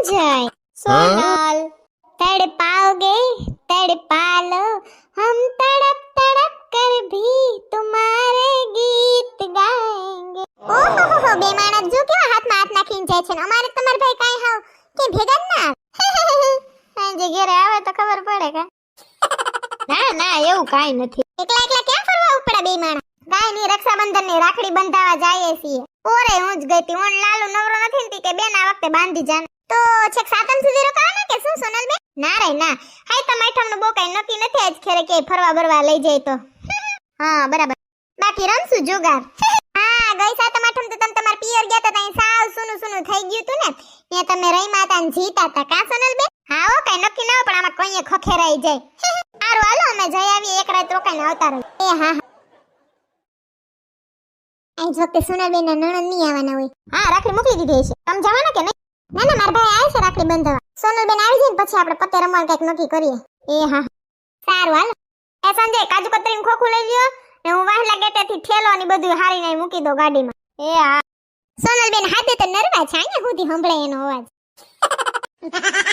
जाए। सोनल तड़पाओगे तड़पा लो, हम तड़प तड़प कर भी तुम्हारे गीत गाएंगे। ओहो हो બે માણસ જો કેવા હાથમાં હાથ નાખીને જાય છે ને અમારે તમાર ભાઈ કાઈ હાવ કે ભેગા જ ના સાંજે ઘરે આવે તો ખબર પડે કે ના ના એવું કાઈ નથી એકલા એકલા ક્યાં ફરવા ઉપડા બે માણસ કાઈ ની રક્ષાબંધન ની રાખડી બંધાવા જાઈએ છીએ ઓરે હું જ ગઈતી ઓન લાલુ નવરો નથી ને કે બેન આ વખતે બાંધી જાને તો છેક સાતમ સુધી રોકાવાના કે શું સોનલ બેન ના રે ના હાય તમાઠમ નું બો કાઈ નક્કી નથી આજ ખેરે કે ફરવા બરવા લઈ જાય તો હા બરાબર બાકી રમશું જુગાર હા ગઈ સાતમ આઠમ તો તમે તમાર પિયર ગયા તા ત્યાં સાવ સુનું સુનું થઈ ગયું તું ને ત્યાં તમે રહીમાં તા ને જીતા તા કા સોનલ બેન હા ઓ કાઈ નક્કી ન પણ આમાં કોઈએ ખખેરાઈ જાય સારું હાલો અમે જઈ આવીએ એક રાત રોકાઈને આવતા રહો એ હા આજ વખતે સોનલબેન ના નણંદ નહીં આવવાના હોય હા રાખડી મોકલી દીધી છે તમે જવાના કે નહીં ના ના મારા ભાઈ આવે છે રાખડી બંધાવા સોનલબેન આવી જાય ને પછી આપણે પત્તે રમવા કંઈક નક્કી કરીએ એ હા સારું હાલો એ સંજય કાજુ કતરીનું ખોખું લઈ લ્યો ને હું વાહલા ગેટેથી થેલો ને બધું હારી નાઈ મૂકી દો ગાડીમાં એ હા સોનલબેન હાથે તો નરવા છે અહીંયા સુધી સંભળાય એનો અવાજ